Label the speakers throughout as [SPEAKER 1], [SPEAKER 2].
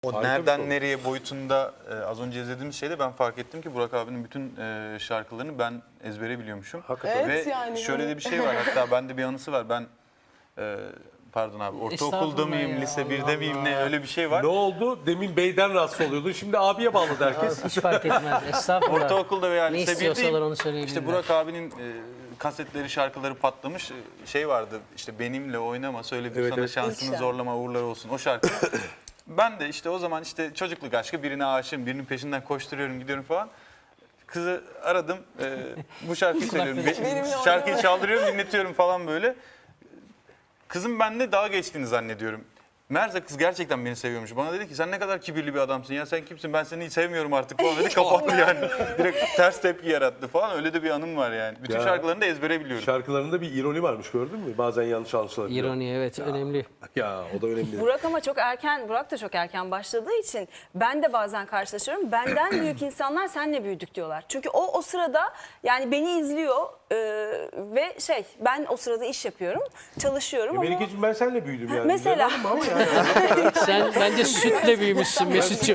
[SPEAKER 1] O
[SPEAKER 2] Harika bir
[SPEAKER 1] nereden
[SPEAKER 2] konu.
[SPEAKER 1] nereye boyutunda az önce izlediğimiz şeyde ben fark ettim ki Burak abinin bütün şarkılarını ben ezbere biliyormuşum.
[SPEAKER 2] Hakikaten.
[SPEAKER 3] Evet,
[SPEAKER 1] Ve
[SPEAKER 3] yani
[SPEAKER 1] şöyle
[SPEAKER 3] hani-
[SPEAKER 1] de bir şey var, hatta bende bir anısı var. Ben pardon abi, ortaokulda
[SPEAKER 4] Estağfurullah
[SPEAKER 1] mıyım,
[SPEAKER 4] ya,
[SPEAKER 1] lise
[SPEAKER 4] Allah
[SPEAKER 1] 1'de miyim ne,
[SPEAKER 4] Allah.
[SPEAKER 1] öyle bir şey var.
[SPEAKER 2] Ne oldu? Demin beyden rahatsız oluyordun. Şimdi abiye bağladı herkes.
[SPEAKER 4] Hiç fark etmez. Estağfurullah.
[SPEAKER 1] Ortaokulda veya
[SPEAKER 4] Ne
[SPEAKER 1] lise
[SPEAKER 4] istiyorsalar
[SPEAKER 1] 1'deyim.
[SPEAKER 4] onu söyleyebilirler.
[SPEAKER 1] İşte Burak abinin kasetleri, şarkıları patlamış. Şey vardı işte, benimle oynama, söyle bir
[SPEAKER 2] Evet,
[SPEAKER 1] sana
[SPEAKER 2] evet.
[SPEAKER 1] şansını
[SPEAKER 3] İlk
[SPEAKER 1] zorlama, uğurlar olsun, o şarkı. Ben de işte o zaman işte çocukluk aşkı, birine aşığım, birinin peşinden koşturuyorum, gidiyorum falan. Kızı aradım, bu şarkıyı söylüyorum. Şarkıyı çaldırıyorum, dinletiyorum falan böyle. Kızım benimle dalga geçtiğini zannediyorum. Meğerse kız gerçekten beni seviyormuş. Bana dedi ki sen ne kadar kibirli bir adamsın ya, sen kimsin, ben seni hiç sevmiyorum artık falan dedi, kapattı yani. Direkt ters tepki yarattı falan, öyle de bir anım var yani. Bütün
[SPEAKER 2] Ya.
[SPEAKER 1] şarkılarını da ezbere biliyorum.
[SPEAKER 2] Şarkılarında bir ironi varmış, gördün mü? Bazen yanlış anlaşılabiliyor.
[SPEAKER 4] İroni, evet, önemli.
[SPEAKER 2] Ya o da önemli.
[SPEAKER 3] Burak ama çok erken, Burak da çok erken başladığı için ben de bazen karşılaşıyorum. Benden büyük insanlar senle büyüdük diyorlar. Çünkü o sırada yani beni izliyor ve ben o sırada iş yapıyorum, çalışıyorum ama
[SPEAKER 2] Melike'ciğim ben seninle büyüdüm yani.
[SPEAKER 3] Mesela.
[SPEAKER 2] Güzel ama yani.
[SPEAKER 4] Sen bence sütle büyümüşsün Mesut'cuğum.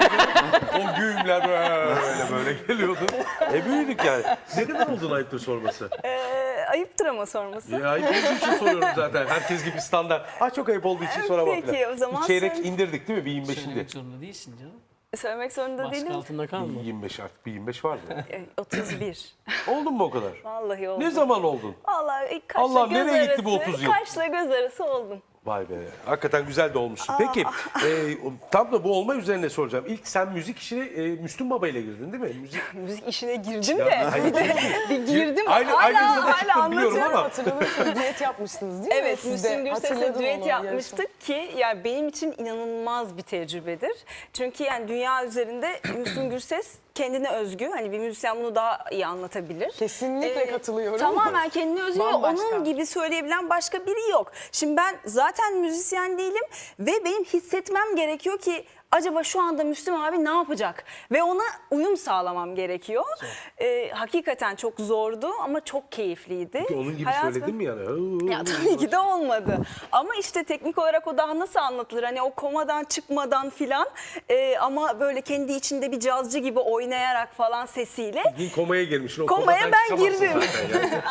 [SPEAKER 2] O güğümler böyle geliyordu. Büyüdük yani. Ne kadar oldun ayıptır sorması?
[SPEAKER 3] ayıptır ama sorması.
[SPEAKER 2] Ya ayıp olduğu için soruyorum zaten. Herkes gibi standart. Çok ayıp olduğu için soramam
[SPEAKER 3] Peki,
[SPEAKER 2] falan.
[SPEAKER 3] o zaman
[SPEAKER 2] Bir çeyrek
[SPEAKER 3] sen-
[SPEAKER 2] indirdik değil mi? Bir 25'inde.
[SPEAKER 4] Söylemek zorunda değilsin canım.
[SPEAKER 3] Söylemek zorunda
[SPEAKER 4] Baskı
[SPEAKER 3] değilim.
[SPEAKER 4] altında kalma.
[SPEAKER 2] 25 artık. Bir 25 vardı.
[SPEAKER 3] 31.
[SPEAKER 2] Oldun mu o kadar?
[SPEAKER 3] Vallahi oldum.
[SPEAKER 2] Ne zaman oldun?
[SPEAKER 3] Vallahi kaşla
[SPEAKER 2] Allah,
[SPEAKER 3] göz
[SPEAKER 2] nereye
[SPEAKER 3] arası,
[SPEAKER 2] gitti bu 30 yıl?
[SPEAKER 3] Kaşla göz arası oldum.
[SPEAKER 2] Vay be. Hakikaten güzel de olmuşsun. Peki tam da bu olma üzerine soracağım. İlk sen müzik işine Müslüm Baba ile girdin değil mi?
[SPEAKER 3] Müzik işine girdim
[SPEAKER 2] Ya,
[SPEAKER 3] de
[SPEAKER 2] hayır,
[SPEAKER 3] bir girdim.
[SPEAKER 2] Aynı hızda çıktın biliyorum
[SPEAKER 3] anlatıyorum.
[SPEAKER 2] ama.
[SPEAKER 5] Hatırlamışsınız, düet yapmıştınız değil mi?
[SPEAKER 3] Evet,
[SPEAKER 5] Siz de
[SPEAKER 3] Müslüm Gürses'le
[SPEAKER 5] hatırladım
[SPEAKER 3] düet
[SPEAKER 5] onu,
[SPEAKER 3] yapmıştık ki yani benim için inanılmaz bir tecrübedir. Çünkü yani dünya üzerinde Müslüm Gürses kendine özgü. Hani bir müzisyen bunu daha iyi anlatabilir.
[SPEAKER 5] Kesinlikle katılıyorum.
[SPEAKER 3] Tamamen kendine özgü ve
[SPEAKER 5] Bambaşka.
[SPEAKER 3] onun gibi söyleyebilen başka biri yok. Şimdi ben zaten müzisyen değilim ve benim hissetmem gerekiyor ki acaba şu anda Müslüm abi ne yapacak? Ve ona uyum sağlamam gerekiyor. Hakikaten çok zordu ama çok keyifliydi.
[SPEAKER 2] Peki onun gibi
[SPEAKER 3] Hayatım-
[SPEAKER 2] söyledin mi yani?
[SPEAKER 3] Ya tabii ki de olmadı. Ama işte teknik olarak o daha nasıl anlatılır? Hani o komadan çıkmadan filan ama böyle kendi içinde bir cazcı gibi oynayarak falan sesiyle.
[SPEAKER 2] Din komaya girmişsin. O
[SPEAKER 3] Komaya
[SPEAKER 2] komadan
[SPEAKER 3] ben
[SPEAKER 2] çıkamazsın
[SPEAKER 3] girdim.
[SPEAKER 2] zaten yani.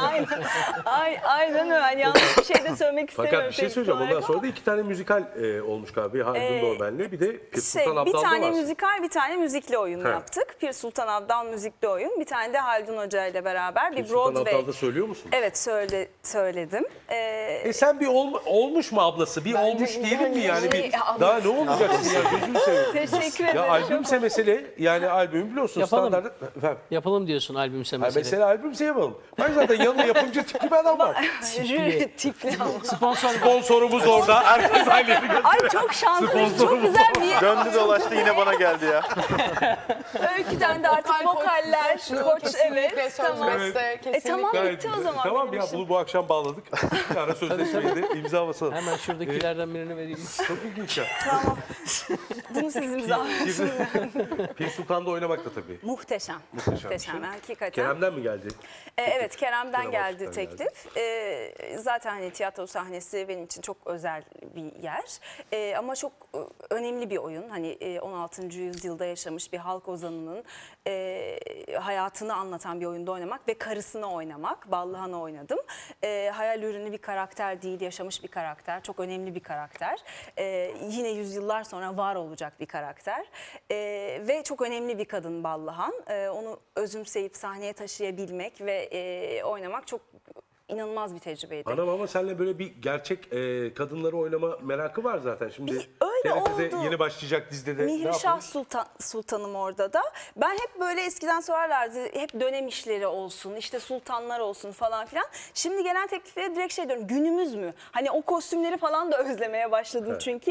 [SPEAKER 3] Aynen öyle. Yani yanlış bir şey de söylemek istemiyorum.
[SPEAKER 2] Fakat bir şey
[SPEAKER 3] teknik
[SPEAKER 2] söyleyeceğim.
[SPEAKER 3] olarak
[SPEAKER 2] Ondan sonra
[SPEAKER 3] ama
[SPEAKER 2] da 2 tane müzikal olmuş galiba. Bir Haldun Dormen'le bir de Pir Sultan
[SPEAKER 3] bir
[SPEAKER 2] Abdal'da
[SPEAKER 3] tane
[SPEAKER 2] var.
[SPEAKER 3] müzikal, bir tane müzikli oyun
[SPEAKER 2] He.
[SPEAKER 3] yaptık. Pir Sultan Abdal müzikli oyun. Bir tane de Haldun Hoca ile beraber
[SPEAKER 2] Pir
[SPEAKER 3] bir
[SPEAKER 2] Sultan
[SPEAKER 3] Broadway.
[SPEAKER 2] Abdal'da söylüyor musun?
[SPEAKER 3] Evet söyledim.
[SPEAKER 2] Sen bir olmuş mu ablası? Bir olmuş diyelim mi yani? Bir, daha ne olacaksın ya? Gözünü seveyim.
[SPEAKER 3] Teşekkür ederim.
[SPEAKER 2] Ya albümse mesele, yani albüm biliyorsun
[SPEAKER 4] Yapalım.
[SPEAKER 2] standart. Efendim,
[SPEAKER 4] Yapalım diyorsun albümse
[SPEAKER 2] ha,
[SPEAKER 4] mesela.
[SPEAKER 2] mesela albümse yapalım. Ben zaten yanında yapımcı tipli bir adam var.
[SPEAKER 3] Jüri tipli ama.
[SPEAKER 4] Sponsor
[SPEAKER 2] Sponsorumuz orada. Herkes aynı yeri götürüyor.
[SPEAKER 3] Ay çok şanslıyız. Çok
[SPEAKER 2] Sponsorumuz
[SPEAKER 3] güzel bir
[SPEAKER 1] Döndü dolaştı yine bana geldi ya.
[SPEAKER 3] öyküden de artık vokaller, koç
[SPEAKER 5] kesinlikle
[SPEAKER 3] evet.
[SPEAKER 5] söz
[SPEAKER 3] Tamam.
[SPEAKER 5] beste, kesinlikle.
[SPEAKER 3] Tamam
[SPEAKER 2] Gayet
[SPEAKER 3] bitti o
[SPEAKER 2] güzel.
[SPEAKER 3] zaman.
[SPEAKER 2] Tamam
[SPEAKER 3] benim
[SPEAKER 2] ya,
[SPEAKER 3] işim.
[SPEAKER 2] bunu bu akşam bağladık. Bir ara sözleşmeyi de imza basalım.
[SPEAKER 4] Hemen şuradakilerden birini vereyim.
[SPEAKER 2] Çok ilginç ya.
[SPEAKER 3] Tamam. Bunu siz imzalayın.
[SPEAKER 2] Pir Sultan'da oynamak da tabii.
[SPEAKER 3] Muhteşem. Muhteşem. Hakikaten.
[SPEAKER 2] Kerem'den mi geldi?
[SPEAKER 3] Evet, Kerem'den
[SPEAKER 2] Kerem
[SPEAKER 3] geldi
[SPEAKER 2] Aksü'den
[SPEAKER 3] teklif. Zaten hani tiyatro sahnesi benim için çok özel bir yer. Ama çok önemli bir oyun. Hani 16. yüzyılda yaşamış bir halk ozanının hayatını anlatan bir oyunda oynamak ve karısını oynamak. Ballıhan'ı oynadım. Hayal ürünü bir karakter değil, yaşamış bir karakter. Çok önemli bir karakter. Yine yüzyıllar sonra var olacak bir karakter. Ve çok önemli bir kadın Ballıhan. Onu özümseyip sahneye taşıyabilmek ve oynamak çok inanılmaz bir tecrübeydi.
[SPEAKER 2] Anam ama seninle böyle bir gerçek kadınları oynama merakı var zaten. Şimdi
[SPEAKER 3] öyle
[SPEAKER 2] TRT'de
[SPEAKER 3] oldu.
[SPEAKER 2] yeni başlayacak dizide de ne
[SPEAKER 3] Mihrişah
[SPEAKER 2] yapıyoruz?
[SPEAKER 3] Sultanım orada da. Ben hep böyle eskiden sorarlardı. Hep dönem işleri olsun, işte sultanlar olsun falan filan. Şimdi gelen tekliflere direkt şey diyorum. Günümüz mü? Hani o kostümleri falan da özlemeye başladım
[SPEAKER 2] Evet.
[SPEAKER 3] çünkü.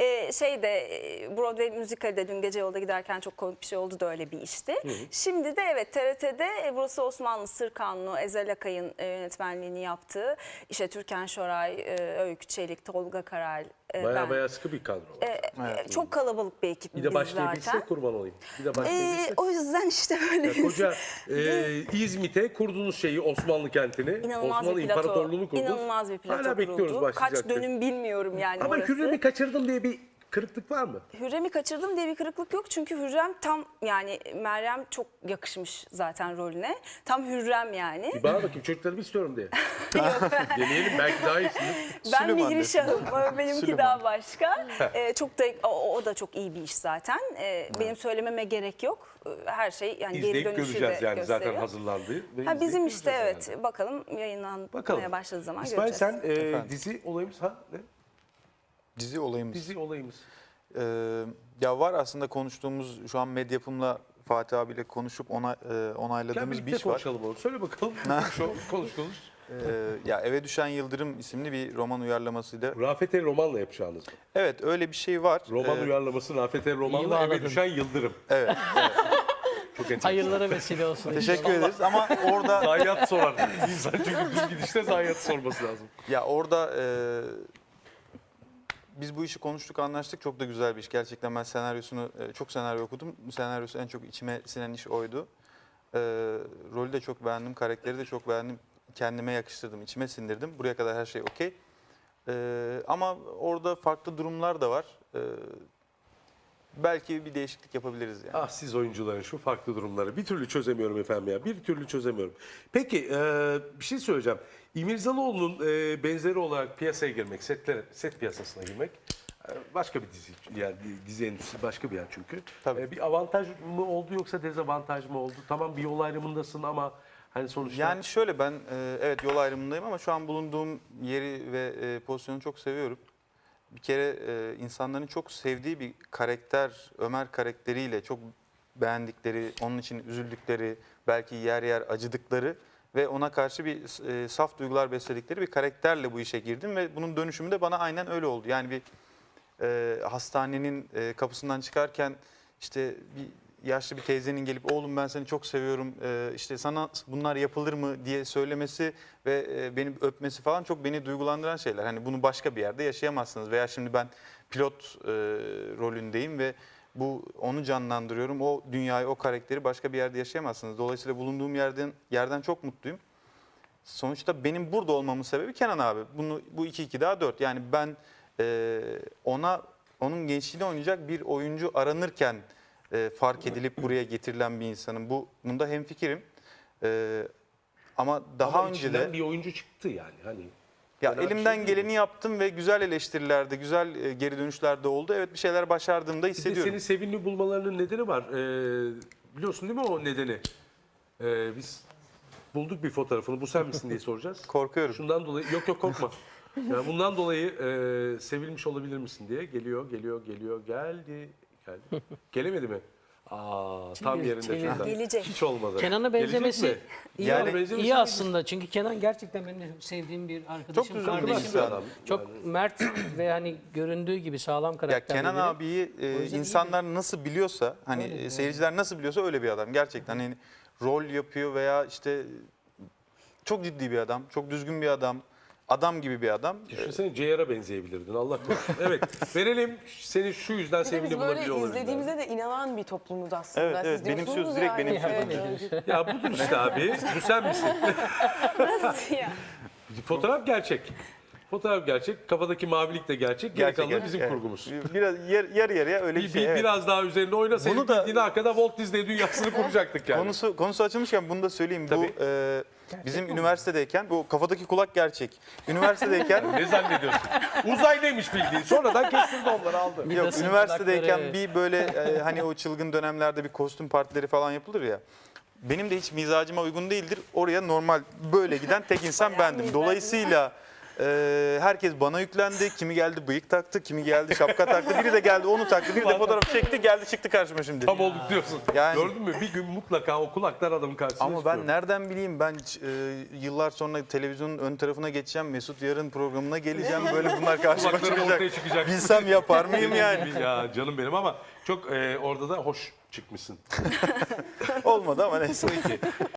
[SPEAKER 3] Broadway müzikalde dün gece yolda giderken çok komik bir şey oldu da öyle bir işti. Şimdi de evet TRT'de burası Osmanlı Sırkanlı, Ezel Akay'ın yönetmenliğini yaptığı, işte Türkan Şoray, Öykü Çelik, Tolga Karal,
[SPEAKER 2] Baya sıkı bir kadro var.
[SPEAKER 3] çok kalabalık bir ekip
[SPEAKER 2] Bir de
[SPEAKER 3] biz
[SPEAKER 2] başlayabilsek
[SPEAKER 3] zaten.
[SPEAKER 2] kurban olayım. Bir de başlayabilsek.
[SPEAKER 3] O yüzden işte böyle
[SPEAKER 2] Ya koca İzmit'e kurduğunuz şeyi, Osmanlı kentini,
[SPEAKER 3] İnanılmaz
[SPEAKER 2] Osmanlı
[SPEAKER 3] bir plato.
[SPEAKER 2] İmparatorluğu'nu kurdunuz.
[SPEAKER 3] İnanılmaz bir plato
[SPEAKER 2] Hala bekliyoruz
[SPEAKER 3] kuruldu.
[SPEAKER 2] başlayacak
[SPEAKER 3] Kaç
[SPEAKER 2] diye.
[SPEAKER 3] dönüm bilmiyorum yani
[SPEAKER 2] Ama
[SPEAKER 3] orası.
[SPEAKER 2] Kürünü bir kaçırdım diye bir kırıklık var mı?
[SPEAKER 3] Hürrem'i kaçırdım diye bir kırıklık yok. Çünkü Hürrem tam yani Meryem çok yakışmış zaten rolüne. Tam Hürrem yani.
[SPEAKER 2] Bir bana bakayım çocuklarımı istiyorum diye. Deneyelim belki daha iyisini.
[SPEAKER 3] Ben
[SPEAKER 1] Süleyman
[SPEAKER 3] Mihri
[SPEAKER 1] desin.
[SPEAKER 3] Şah'ım. Benimki
[SPEAKER 1] Süleyman.
[SPEAKER 3] daha başka. Çok da o da çok iyi bir iş zaten. Benim söylememe gerek yok. Her şey yani geri
[SPEAKER 2] İzleyip
[SPEAKER 3] dönüşü
[SPEAKER 2] göreceğiz
[SPEAKER 3] de
[SPEAKER 2] yani zaten
[SPEAKER 3] gösteriyor.
[SPEAKER 2] hazırlandığı. ve
[SPEAKER 3] Ha,
[SPEAKER 2] izleyip
[SPEAKER 3] bizim işte
[SPEAKER 2] göreceğiz
[SPEAKER 3] evet.
[SPEAKER 2] herhalde.
[SPEAKER 3] Bakalım yayınlanmaya
[SPEAKER 2] Bakalım.
[SPEAKER 3] başladığı zaman
[SPEAKER 2] İsmail
[SPEAKER 3] göreceğiz.
[SPEAKER 2] sen
[SPEAKER 1] Efendim?
[SPEAKER 2] dizi olayımız ha? Ne?
[SPEAKER 1] Dizi olayımız.
[SPEAKER 2] Dizi olayımız.
[SPEAKER 1] Ya var aslında konuştuğumuz şu an Medyapım'la Fatih abiyle konuşup
[SPEAKER 2] Gel
[SPEAKER 1] onayladığımız bir
[SPEAKER 2] birlikte
[SPEAKER 1] iş var.
[SPEAKER 2] konuşalım onu. Söyle bakalım. Konuş.
[SPEAKER 1] Ya Eve Düşen Yıldırım isimli bir roman uyarlamasıyla.
[SPEAKER 2] Rafet El Roman'la yapacağınız mı?
[SPEAKER 1] Evet öyle bir şey var.
[SPEAKER 2] Roman uyarlaması Rafet El Roman'la
[SPEAKER 4] bağladın.
[SPEAKER 2] Eve Düşen Yıldırım.
[SPEAKER 1] Evet.
[SPEAKER 2] Çok enteresan.
[SPEAKER 4] Hayırlara vesile olsun.
[SPEAKER 1] Teşekkür ederiz ama orada
[SPEAKER 2] Zayiat sorar. İnsan çünkü düz gidişte zayiat sorması lazım.
[SPEAKER 1] ya orada biz bu işi konuştuk, anlaştık. Çok da güzel bir iş. Gerçekten ben senaryosunu çok senaryo okudum. Senaryosu en çok içime sinen iş oydu. Rolü de çok beğendim, karakteri de çok beğendim. Kendime yakıştırdım, içime sindirdim. Buraya kadar her şey okey. Ama orada farklı durumlar da var. Belki bir değişiklik yapabiliriz yani.
[SPEAKER 2] Ah siz oyuncuların şu farklı durumları bir türlü çözemiyorum efendim ya. Bir türlü çözemiyorum. Peki bir şey söyleyeceğim. İmirzalıoğlu'nun benzeri olarak piyasaya girmek, set piyasasına girmek başka bir dizi. Yani dizi endüstrisi başka bir yer çünkü.
[SPEAKER 1] Tabii.
[SPEAKER 2] Bir avantaj mı oldu yoksa dezavantaj mı oldu? Tamam bir yol ayrımındasın ama hani sonuçta...
[SPEAKER 1] Yani şöyle ben evet yol ayrımındayım ama şu an bulunduğum yeri ve pozisyonu çok seviyorum. Bir kere insanların çok sevdiği bir karakter, Ömer karakteriyle çok beğendikleri, onun için üzüldükleri, belki yer yer acıdıkları ve ona karşı bir saf duygular besledikleri bir karakterle bu işe girdim ve bunun dönüşümü de bana aynen öyle oldu. Yani bir hastanenin kapısından çıkarken işte bir yaşlı bir teyzenin gelip oğlum ben seni çok seviyorum işte sana bunlar yapılır mı diye söylemesi ve beni öpmesi falan çok beni duygulandıran şeyler. Hani bunu başka bir yerde yaşayamazsınız veya şimdi ben pilot rolündeyim ve onu canlandırıyorum. O dünyayı, o karakteri başka bir yerde yaşayamazsınız. Dolayısıyla bulunduğum yerden çok mutluyum. Sonuçta benim burada olmamın sebebi Kenan abi. Bu 2-2 daha 4. Yani ben onun gençliğini oynayacak bir oyuncu aranırken fark edilip buraya getirilen bir insanım. Bunda hemfikirim. Ama daha
[SPEAKER 2] ama
[SPEAKER 1] önce
[SPEAKER 2] içinden
[SPEAKER 1] de
[SPEAKER 2] bir oyuncu çıktı yani. Hani
[SPEAKER 1] ya
[SPEAKER 2] fena bir
[SPEAKER 1] elimden
[SPEAKER 2] şey değil.
[SPEAKER 1] geleni yaptım ve güzel eleştirilerde, güzel geri dönüşlerde oldu. Evet bir şeyler başardığımda
[SPEAKER 2] Bir de
[SPEAKER 1] hissediyorum.
[SPEAKER 2] senin sevinli bulmalarının nedeni var. Biliyorsun değil mi o nedeni? Biz bulduk bir fotoğrafını. Bu sen misin diye soracağız.
[SPEAKER 1] Korkuyorum.
[SPEAKER 2] Şundan dolayı yok korkma. Yani bundan dolayı sevilmiş olabilir misin diye geliyor geldi. Gelemedi mi? Tam yerinde şurada.
[SPEAKER 3] Gelecek.
[SPEAKER 2] Hiç olmadı.
[SPEAKER 4] Kenan'a
[SPEAKER 2] Gelecek
[SPEAKER 4] benzemesi
[SPEAKER 2] mi?
[SPEAKER 4] iyi,
[SPEAKER 1] Yani-
[SPEAKER 2] benzemesi
[SPEAKER 4] iyi
[SPEAKER 2] iyi.
[SPEAKER 4] aslında. Çünkü Kenan gerçekten benim de çok sevdiğim bir arkadaşım,
[SPEAKER 1] düzgün
[SPEAKER 4] kardeşim.
[SPEAKER 1] bir adam.
[SPEAKER 4] Çok mert ve hani göründüğü gibi sağlam
[SPEAKER 1] Ya
[SPEAKER 4] karakterli
[SPEAKER 1] Kenan
[SPEAKER 4] biri.
[SPEAKER 1] abiyi
[SPEAKER 4] yüzden
[SPEAKER 1] insanlar nasıl biliyorsa hani
[SPEAKER 4] Öyle,
[SPEAKER 1] seyirciler nasıl biliyorsa öyle bir adam. Gerçekten hani rol yapıyor veya işte çok ciddi bir adam, çok düzgün bir adam, adam gibi bir adam.
[SPEAKER 2] Düşünsene Ceyar'a benzeyebilirdin Allah korusun. Evet verelim seni şu yüzden
[SPEAKER 5] Bir de
[SPEAKER 2] sevimli
[SPEAKER 5] biz böyle
[SPEAKER 2] bulabiliyor olabilirler.
[SPEAKER 5] izlediğimizde de inanan bir toplumuz aslında.
[SPEAKER 1] Evet, evet,
[SPEAKER 5] Siz
[SPEAKER 1] benimsiyoruz,
[SPEAKER 5] diyorsunuz
[SPEAKER 1] direkt
[SPEAKER 5] yani.
[SPEAKER 1] benimsiyoruz.
[SPEAKER 2] Ya budur işte abi. Bu sen misin?
[SPEAKER 3] Nasıl ya?
[SPEAKER 2] Fotoğraf gerçek. Fotoğraf gerçek. Kafadaki mavilik de gerçek. Geri kalanı
[SPEAKER 1] Gerçek,
[SPEAKER 2] bizim
[SPEAKER 1] evet.
[SPEAKER 2] kurgumuz.
[SPEAKER 1] Biraz yarı yarıya öyle bir şey. Evet.
[SPEAKER 2] Biraz daha üzerine oynasaydın
[SPEAKER 1] Bunu da-
[SPEAKER 2] bildiğin arkada Walt Disney dünyasını kuracaktık yani.
[SPEAKER 1] Konusu açılmışken bunu da söyleyeyim.
[SPEAKER 2] Tabii.
[SPEAKER 1] Bizim üniversitedeyken bu kafadaki kulak gerçek. Üniversitedeyken
[SPEAKER 2] Ne zannediyorsun? Uzaylıymış bildiğin. Sonradan kestirdi onları aldı.
[SPEAKER 4] Bir
[SPEAKER 1] yok
[SPEAKER 4] Midas'ın
[SPEAKER 1] üniversitedeyken
[SPEAKER 4] kulakları.
[SPEAKER 1] bir böyle hani o çılgın dönemlerde bir kostüm partileri falan yapılır ya. Benim de hiç mizacıma uygun değildir. Oraya normal böyle giden tek insan bendim. Dolayısıyla herkes bana yüklendi. Kimi geldi bıyık taktı, kimi geldi şapka taktı. Biri de geldi onu taktı, biri de fotoğraf çekti geldi çıktı karşıma şimdi.
[SPEAKER 2] Tam olduk diyorsun.
[SPEAKER 1] Yani-
[SPEAKER 2] Gördün mü? Bir gün mutlaka o kulaklar adamın karşısına
[SPEAKER 1] Ama
[SPEAKER 2] çıkıyor.
[SPEAKER 1] ben nereden bileyim ben yıllar sonra televizyonun ön tarafına geçeceğim. Mesut Yarın programına geleceğim. Böyle bunlar karşıma
[SPEAKER 2] Kulakların
[SPEAKER 1] çıkacak.
[SPEAKER 2] ortaya çıkacak.
[SPEAKER 1] Bilsem yapar mıyım yani?
[SPEAKER 2] Ya canım benim ama çok orada da hoş çıkmışsın.
[SPEAKER 1] Olmadı ama neyse.